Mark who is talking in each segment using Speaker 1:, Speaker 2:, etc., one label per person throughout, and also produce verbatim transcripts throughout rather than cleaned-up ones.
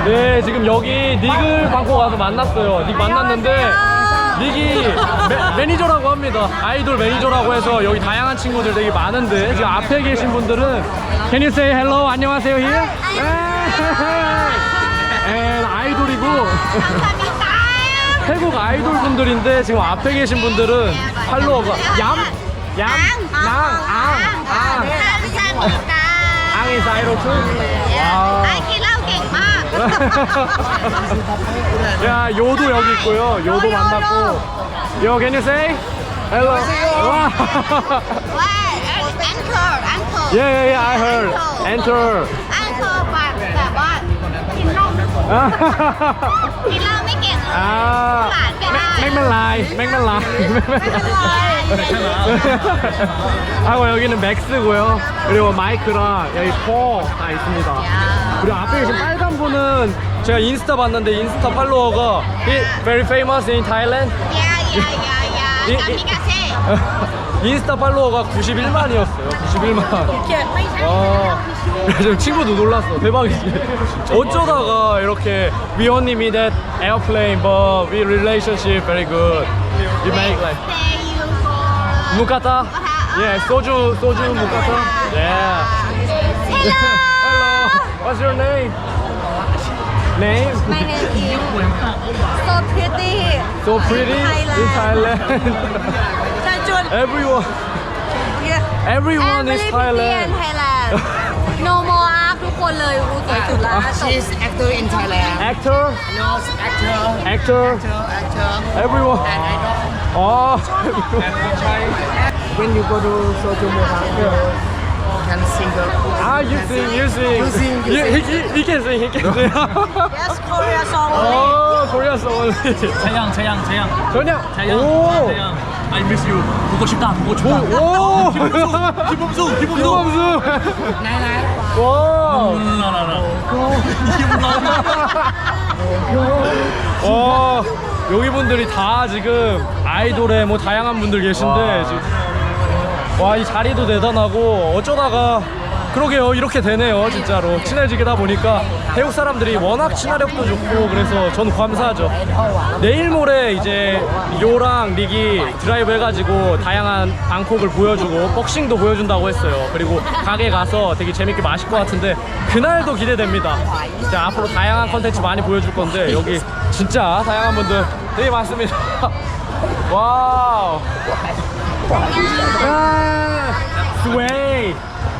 Speaker 1: 네, 지금 여기 닉을 방콕 가서 만났어요. 닉 만났는데 닉이 매, 매니저라고 합니다. 아이돌 매니저라고 해서 여기 다양한 친구들 되게 많은데 지금 앞에 계신 분들은 Can you say hello? 안녕하세요 here? 에 아이돌이고 태국 아이돌 분들인데 지금 앞에 계신 분들은 팔로워가 얌? 얌? 낭? 앙? 앙? 앙이 사이로트? 와. 야, 요도 여기 있고요. 요도 만났고. Yo, can you say hello? 와. Yeah, yeah, yeah, I heard. Enter.
Speaker 2: แบบว่ากินเหล้ากินเหล้าไม่เก่งเลย
Speaker 1: อ่า
Speaker 2: หลานก็ได้
Speaker 1: แม็กมันลายแม็กมันลาย하고 여기는 맥스고요. 그리고 마이크랑 여기 포 다 있습니다. 그리고 앞에 계신 빨간 분은 제가 인스타 봤는데 인스타 팔로워가 he very famous in Thailand.
Speaker 2: ยายายายาจามิกาเซ่
Speaker 1: 인스타 팔로워가 구십일만이었어요. 구십일만.
Speaker 2: เขียนไม่ใช่
Speaker 1: 아, 지금 친구도 놀랐어. 대박이지. 어쩌다가 이렇게 we only meet at airplane, but we relationship very good. We make like 무카타? Yeah, soju, soju 무카타. Yeah. Hello. What's your name? Name?
Speaker 2: My name is so pretty
Speaker 1: So pretty in Thailand. Everyone, everyone is Thailand.
Speaker 2: No more ทุกคนเลยรู้สวยสุดแล้ว
Speaker 3: She's actor in Thailand.
Speaker 1: Actor,
Speaker 3: No, actor.
Speaker 1: actor,
Speaker 3: Actor, actor.
Speaker 1: everyone.
Speaker 3: And idol.
Speaker 1: Oh.
Speaker 3: When you go to Soju Moha, you can sing the.
Speaker 1: Ah, you sing, you sing.
Speaker 3: You sing, you
Speaker 1: You- he, he, he can sing, he can sing.
Speaker 2: Yes Korea song
Speaker 1: Oh, Korea song only.
Speaker 4: 재영, 재영, 재영.
Speaker 1: 전혀.
Speaker 4: 재영.
Speaker 1: 오.
Speaker 4: 재영. I miss you. 보고 싶다. 보고 싶다.
Speaker 1: 오.
Speaker 4: 김범수, 김범수.
Speaker 1: 김범수.
Speaker 3: Nine nine.
Speaker 1: 와.
Speaker 4: 나나나.
Speaker 1: 와. 여기 분들이 다 지금 아이돌에 뭐 다양한 분들 계신데 지금 와, 이 자리도 대단하고 어쩌다가 그러게요, 이렇게 되네요. 진짜로 친해지게다 보니까 태국 사람들이 워낙 친화력도 좋고 그래서 저는 감사하죠. 내일 모레 이제 요랑 릭이 드라이브 해가지고 다양한 방콕을 보여주고 복싱도 보여준다고 했어요. 그리고 가게 가서 되게 재밌게 마실 것 같은데 그날도 기대됩니다. 이제 앞으로 다양한 컨텐츠 많이 보여줄 건데 여기 진짜 다양한 분들 되게 많습니다. 와우. 아, 스웨이.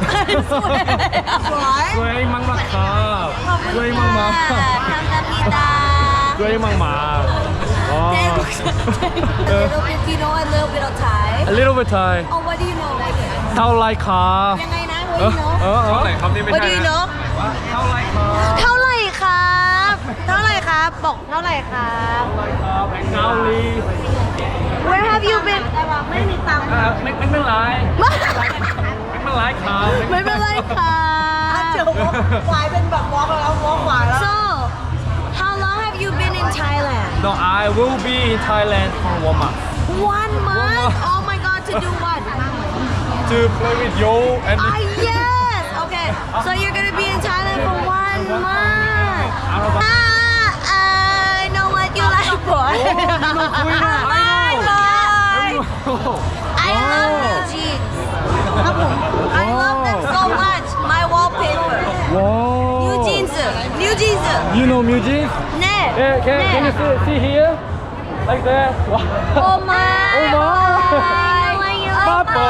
Speaker 1: 스웨이 막막하. 스웨이 막막.
Speaker 2: 감사합니다
Speaker 1: 스웨이 막막. 와.
Speaker 2: Little bit, you know a little bit of Thai
Speaker 1: A little bit Thai.
Speaker 2: Oh what do you know
Speaker 1: เท่าไรคะ
Speaker 2: ยังไงนะ
Speaker 1: เอ
Speaker 2: What
Speaker 1: อ
Speaker 2: do you know
Speaker 1: เออเออคำนี้ไม่
Speaker 2: What
Speaker 1: ใช่
Speaker 2: do you
Speaker 1: นะ
Speaker 2: know
Speaker 1: เท่าไรคะ
Speaker 2: เท่าไหร่ครับ เท่าไหร่ครับ บอกเท่าไหร่ครับ
Speaker 1: เกาหลี
Speaker 2: Where have you been ไม่มีตังค์
Speaker 1: อ่าไม่ไม่เป็นไรไม่เป็นไรครับ
Speaker 2: ไม่เป็นไรครับเจอวายเป็นแบบวอล์กแล้ววอล์กวายแล้ว So how long have you been in Thailand
Speaker 1: No, I will be in Thailand for one month
Speaker 2: One month Oh my god to do what
Speaker 1: to play with you and
Speaker 2: Ah yes Okay so you're gonna be in Thailand for one month Ah I know what you like boy Bye bye I love new jeans ครับผม I love them so much my wallpaper
Speaker 1: Wow.
Speaker 2: new jeans new jeans
Speaker 1: You know music?
Speaker 2: แน่
Speaker 1: Yeah, can,
Speaker 2: แน่
Speaker 1: can you see, see here? Like that? Wow.
Speaker 2: Oh my
Speaker 1: Oh my.
Speaker 2: Papa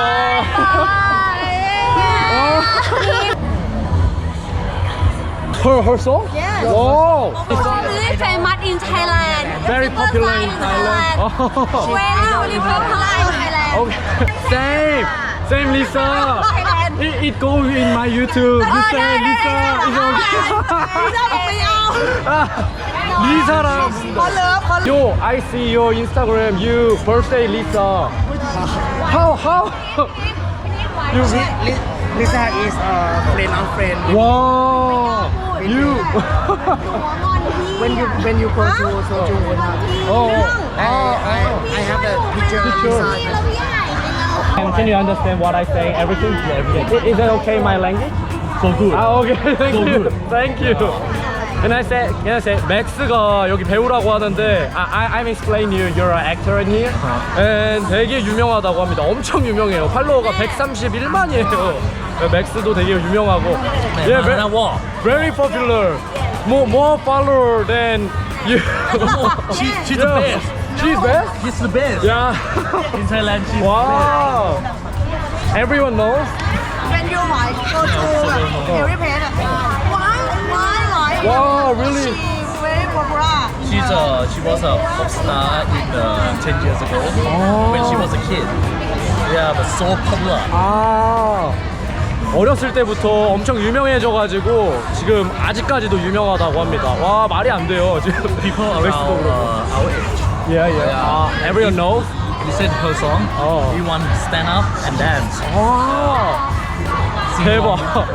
Speaker 1: Her, her song?
Speaker 2: Yes.
Speaker 1: Wow.
Speaker 2: Really famous in Thailand
Speaker 1: Very popular in Thailand. Oh.
Speaker 2: Very popular in Thailand
Speaker 1: Okay. Same. Same Lisa.
Speaker 2: Thailand
Speaker 1: It, it goes in my YouTube. You say Lisa. It's okay.
Speaker 2: ไม่เอา
Speaker 1: Lisa랑.
Speaker 2: ขอเลิฟขอ
Speaker 1: Yo, I see your Instagram. You birthday Lisa. How how? You
Speaker 3: Li- Lisa is a friend of friend.
Speaker 1: wow. You.
Speaker 3: When you when you go to Soju Moha,
Speaker 1: oh.
Speaker 3: I, I I have the picture of
Speaker 1: Picture.
Speaker 3: Lisa.
Speaker 1: And can you understand what I say? Everything? Yeah, everything. Is, is that okay? My language?
Speaker 4: So good.
Speaker 1: Ah, okay. Thank
Speaker 4: So
Speaker 1: you.
Speaker 4: good.
Speaker 1: Thank you. Can I say, can I say, 맥스가 여기 배우라고 하는데 I, I, I'm explaining you, you're an actor in here. And 되게 유명하다고 합니다. 엄청 유명해요. 팔로워가 백삼십일만이에요. 맥스도 되게 유명하고. Yeah, very,
Speaker 4: war.
Speaker 1: very popular. More, more follower than you.
Speaker 4: She, she's the
Speaker 1: Yeah.
Speaker 4: best.
Speaker 1: She's best?
Speaker 4: She's the best.
Speaker 1: Yeah.
Speaker 4: In Thailand, she's
Speaker 1: Wow. Everyone knows.
Speaker 2: When you hỏi go to every place, why, why, why?
Speaker 1: Wow, really?
Speaker 2: She very popular.
Speaker 4: the best. She's a, she was a pop star in uh, ten years ago when she was a kid. Yeah, but so popular.
Speaker 1: 아. 어렸을 때부터 엄청 유명해져가지고 지금 아직까지도 유명하다고 합니다. 와 말이 안 돼요 지금.
Speaker 4: People
Speaker 1: 맥스도
Speaker 4: around
Speaker 1: 그렇고.
Speaker 4: uh, our age
Speaker 1: Yeah, yeah. 아, everyone knows.
Speaker 4: listen to her song.
Speaker 1: Oh.
Speaker 4: We want to stand up and dance.
Speaker 1: 와. 대박.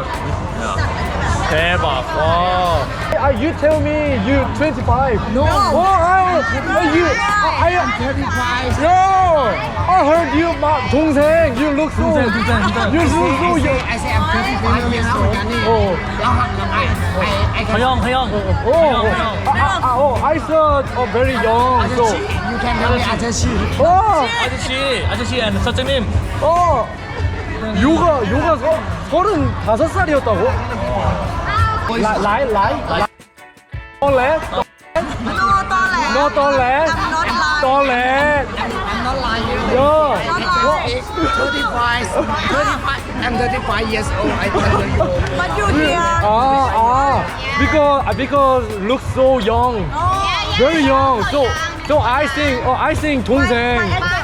Speaker 1: 대박. 와. Ah, you tell me you twenty-five. No. Oh, I, you. I, I,
Speaker 3: thirty-five.
Speaker 1: no. I heard you, my 동생. You look so.
Speaker 4: 동생, 동생, 동생.
Speaker 1: You look so
Speaker 3: I say,
Speaker 1: young.
Speaker 3: I say I'm thirty-five years old.
Speaker 1: Oh.
Speaker 3: I, I, I can.
Speaker 4: 허영, 허영.
Speaker 1: Oh, oh, ah, ah, oh, I saw oh, very young. So,
Speaker 3: You can tell me 아저씨.
Speaker 1: oh,
Speaker 4: 아저씨, 아저씨 and 선생님.
Speaker 1: oh, 요가 요가 서, 서른다섯 살이었다고? 라이 라이 라이 떨레
Speaker 2: No toilet.
Speaker 1: 너 떨레
Speaker 2: I'm not lying.
Speaker 1: 떨레
Speaker 3: I'm not lying.
Speaker 1: 야
Speaker 3: thirty-five. thirty-five. I'm thirty-five years old. I tell you.
Speaker 2: But you here.
Speaker 1: 아, 아, because because look so young, very young. So so I think oh, I think 동생.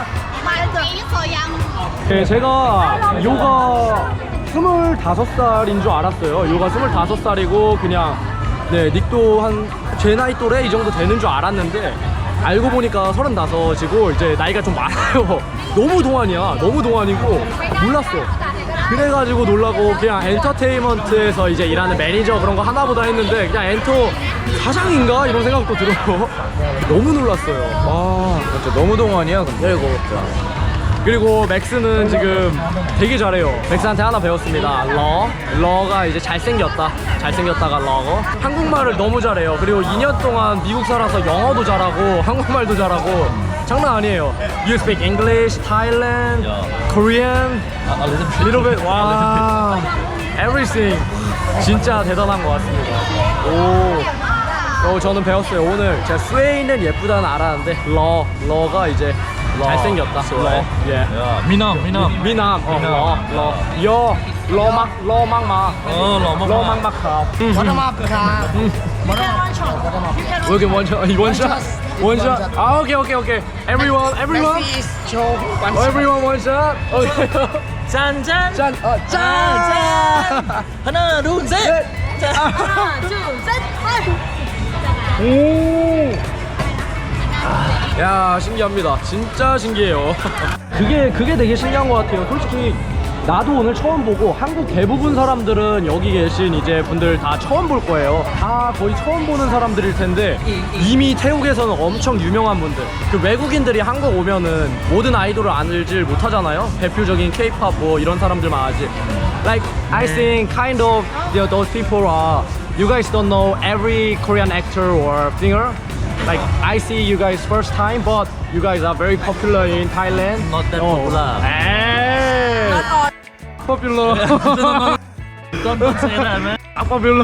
Speaker 1: 네, 제가 요가 스물다섯 살인 줄 알았어요. 요가 스물다섯 살이고 그냥 네 닉도 한 제 나이 또래 이 정도 되는 줄 알았는데 알고 보니까 서른다섯이고 이제 나이가 좀 많아요. 너무 동안이야. 너무 동안이고 몰랐어. 그래가지고 놀라고 그냥 엔터테인먼트에서 이제 일하는 매니저 그런 거 하나보다 했는데 그냥 엔터 사장인가 이런 생각도 들었고 너무 놀랐어요. 와 진짜 너무 동안이야. 근데 이거 그리고 맥스는 지금 되게 잘해요. 맥스한테 하나 배웠습니다. 러. 러가 이제 잘생겼다. 잘생겼다가 러고. 한국말을 너무 잘해요. 그리고 이 년 동안 미국 살아서 영어도 잘하고 한국말도 잘하고 장난 아니에요. You speak English, Thailand, Korean,
Speaker 4: A little bit.
Speaker 1: little bit. 와, everything. 진짜 대단한 것 같습니다. 오. 어, 저는 배웠어요. 오늘 제가 스웨이는 예쁘다는 알았는데 러, 러가 이제 잘생겼다. 러. 예.
Speaker 4: 야, 미남, 미남.
Speaker 1: 미남. 어, 러, 러. 여, 러막, 러막마.
Speaker 4: 어, 러막마.
Speaker 1: 러막마카.
Speaker 3: Bottom up car.
Speaker 1: 여기 원샷, 원샷, 원샷. 아, 오케이, 오케이, 오케이. Everyone, everyone.
Speaker 3: Messi is show one
Speaker 1: 어, everyone 원샷. 오케이.
Speaker 4: 짠, 짠.
Speaker 1: 짠, 어, 짠.
Speaker 4: 하나, 둘, 셋. 짠.
Speaker 2: One, two, three, four.
Speaker 1: 오. 야 신기합니다. 진짜 신기해요. 그게 그게 되게 신기한 것 같아요. 솔직히 나도 오늘 처음 보고 한국 대부분 사람들은 여기 계신 이제 분들 다 처음 볼 거예요. 다 거의 처음 보는 사람들일 텐데 이미 태국에서는 엄청 유명한 분들. 그 외국인들이 한국 오면은 모든 아이돌을 알질 못하잖아요. 대표적인 K-pop 뭐 이런 사람들만 알지. Like I think kind of you know, those people are you guys don't know every Korean actor or singer. Like I see you guys first time, but you guys are very popular in Thailand.
Speaker 4: Not that
Speaker 1: Oh.
Speaker 4: popular.
Speaker 1: Hey, popular.
Speaker 4: Don't, don't say that, man.
Speaker 1: popular.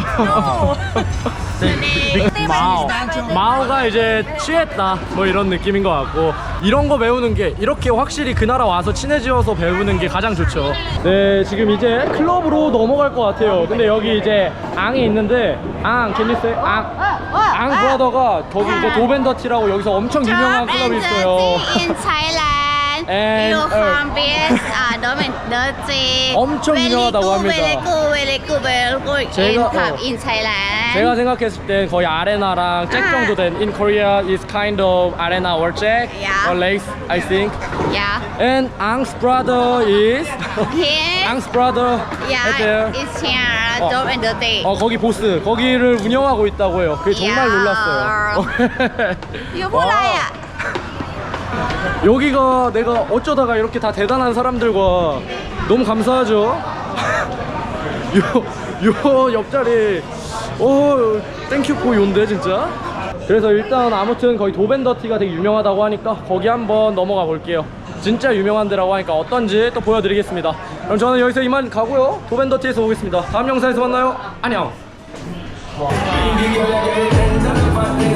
Speaker 1: 마오. 마오가 이제 취했다. 뭐 이런 느낌인 것 같고 이런 거 배우는 게 이렇게 확실히 그 나라 와서 친해지어서 배우는 게 가장 좋죠. 네, 지금 이제 클럽으로 넘어갈 것 같아요. 근데 여기 이제 앙이 있는데 앙, can you say 앙? 앙 브라더가 거기 이제 도벤더티라고 여기서 엄청 유명한 클럽이 있어요.
Speaker 5: in Thailand.
Speaker 1: And,
Speaker 5: you
Speaker 1: uh,
Speaker 5: from best uh, Dirty.
Speaker 1: 엄청 유명하다고 합니다.
Speaker 5: Very good, very good, very good in
Speaker 1: 제가,
Speaker 5: pub
Speaker 1: 어.
Speaker 5: in Thailand.
Speaker 1: 제가 생각했을 땐 거의 아레나랑 잭 정도 된 In Korea is kind of arena or 잭
Speaker 5: Yeah.
Speaker 1: or lace, I think.
Speaker 5: Yeah.
Speaker 1: And Ang's brother is
Speaker 5: Here.
Speaker 1: Ang's brother
Speaker 5: Yeah.
Speaker 1: right there.
Speaker 5: It's here.
Speaker 1: 어.
Speaker 5: Dope and Dirty.
Speaker 1: 어 거기 보스 거기를 운영하고 있다고 해요. 그게 정말
Speaker 5: 야.
Speaker 1: 놀랐어요.
Speaker 5: Youพูดอะไรอ่ะ?
Speaker 1: 여기가 내가 어쩌다가 이렇게 다 대단한 사람들과 너무 감사하죠. 요, 요 옆자리 오 땡큐 포요인데 진짜. 그래서 일단 아무튼 거기 도벤더티가 되게 유명하다고 하니까 거기 한번 넘어가 볼게요. 진짜 유명한 데라고 하니까 어떤지 또 보여드리겠습니다. 그럼 저는 여기서 이만 가고요. 도벤더티에서 오겠습니다. 다음 영상에서 만나요. 안녕.